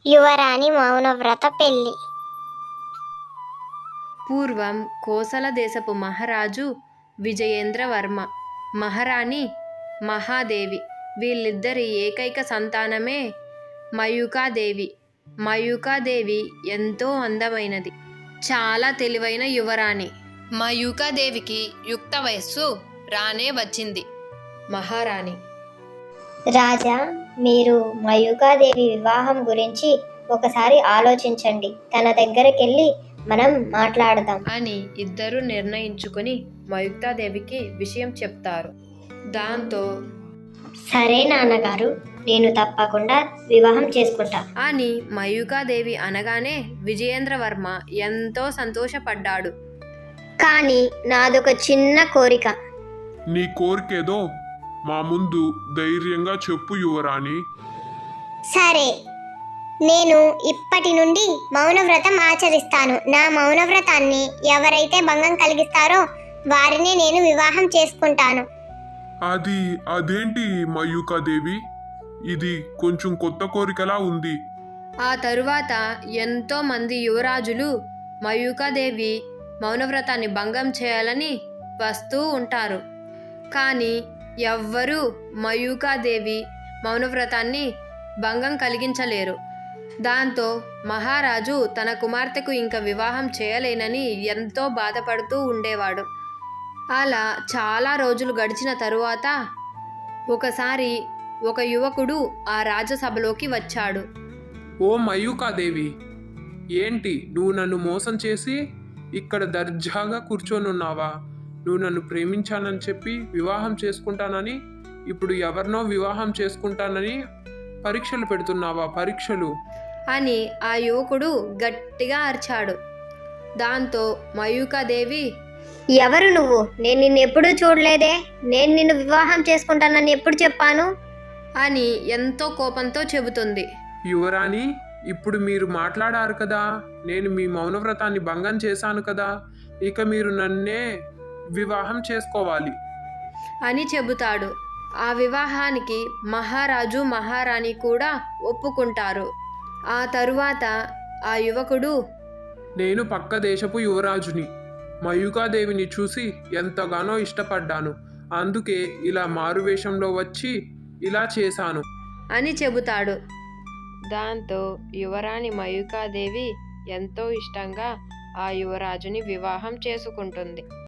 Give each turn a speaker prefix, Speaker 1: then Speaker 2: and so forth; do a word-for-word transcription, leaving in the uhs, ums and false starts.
Speaker 1: యువరాణి మౌనవ్రత పెళ్లి.
Speaker 2: పూర్వం కోసల దేశపు మహారాజు విజయేంద్రవర్మ, మహారాణి మహాదేవి. వీళ్ళిద్దరి ఏకైక సంతానమే మయూకాదేవి. మయూకాదేవి ఎంతో అందమైనది, చాలా తెలివైన యువరాణి. మయూకాదేవికి యుక్త వయస్సు రానే వచ్చింది. మహారాణి:
Speaker 1: రాజా, మీరు మయూకాదేవి వివాహం గురించి ఒకసారి ఆలోచించండి. తన దగ్గరకెళ్ళి మనం మాట్లాడదాం
Speaker 2: అని ఇద్దరు నిర్ణయించుకుని మయూకాదేవికి విషయం చెప్తారు. దాంతో
Speaker 1: సరే నాన్నగారు, నేను తప్పకుండా వివాహం చేసుకుంటా
Speaker 2: అని మయూకాదేవి అనగానే విజయేంద్రవర్మ ఎంతో సంతోషపడ్డాడు.
Speaker 1: కానీ నాదొక చిన్న కోరిక.
Speaker 3: నీ కోరికేదో మా ముందు ధైర్యంగా చెప్పు యువరాణి.
Speaker 1: సరే, నేను ఇప్పటి నుండి మౌనవ్రతం ఆచరిస్తాను. నా మౌనవ్రతాన్ని ఎవరైతే భంగం కలిగిస్తారో వారిని నేను వివాహం చేసుకుంటాను.
Speaker 3: అది అదేంటి మయూకాదేవి, ఇది కొంచెం కొత్త కోరికలా ఉంది.
Speaker 2: ఆ తరువాత ఎంతో మంది యువరాజులు మయూకాదేవి మౌనవ్రతాన్ని భంగం చేయాలని వస్తూ ఉంటారు. కానీ ఎవ్వరూ మయూకాదేవి మౌనవ్రతాన్ని భంగం కలిగించలేరు. దాంతో మహారాజు తన కుమార్తెకు ఇంకా వివాహం చేయలేనని ఎంతో బాధపడుతూ ఉండేవాడు. అలా చాలా రోజులు గడిచిన తరువాత ఒకసారి ఒక యువకుడు ఆ రాజసభలోకి వచ్చాడు.
Speaker 4: ఓ మయూకాదేవి, ఏంటి నువ్వు నన్ను మోసం చేసి ఇక్కడ దర్జాగా కూర్చొనున్నావా? నువ్వు నన్ను ప్రేమించానని చెప్పి వివాహం చేసుకుంటానని, ఇప్పుడు ఎవరినో వివాహం చేసుకుంటానని పరీక్షలు పెడుతున్నావా? పరీక్షలు
Speaker 2: అని ఆ యువకుడు గట్టిగా అరిచాడు. దాంతో మయూకాదేవి:
Speaker 1: ఎవరు నువ్వు? నేను నిన్ను ఎప్పుడూ చూడలేదే. నేను నిన్ను వివాహం చేసుకుంటానని ఎప్పుడు చెప్పాను?
Speaker 2: అని ఎంతో కోపంతో చెబుతుంది.
Speaker 4: యువరాణి, ఇప్పుడు మీరు మాట్లాడారు కదా, నేను మీ మౌనవ్రతాన్ని భంగం చేశాను కదా, ఇక మీరు నన్నే వివాహం చేసుకోవాలి
Speaker 2: అని చెబుతాడు. ఆ వివాహానికి మహారాజు మహారాణి కూడా ఒప్పుకుంటారు. ఆ తరువాత ఆ యువకుడు:
Speaker 4: నేను పక్క దేశపు యువరాజుని. మయూకాదేవిని చూసి ఎంతగానో ఇష్టపడ్డాను, అందుకే ఇలా మారువేషంలో వచ్చి ఇలా చేశాను
Speaker 2: అని చెబుతాడు. దాంతో యువరాణి మయూకాదేవి ఎంతో ఇష్టంగా ఆ యువరాజుని వివాహం చేసుకుంటుంది.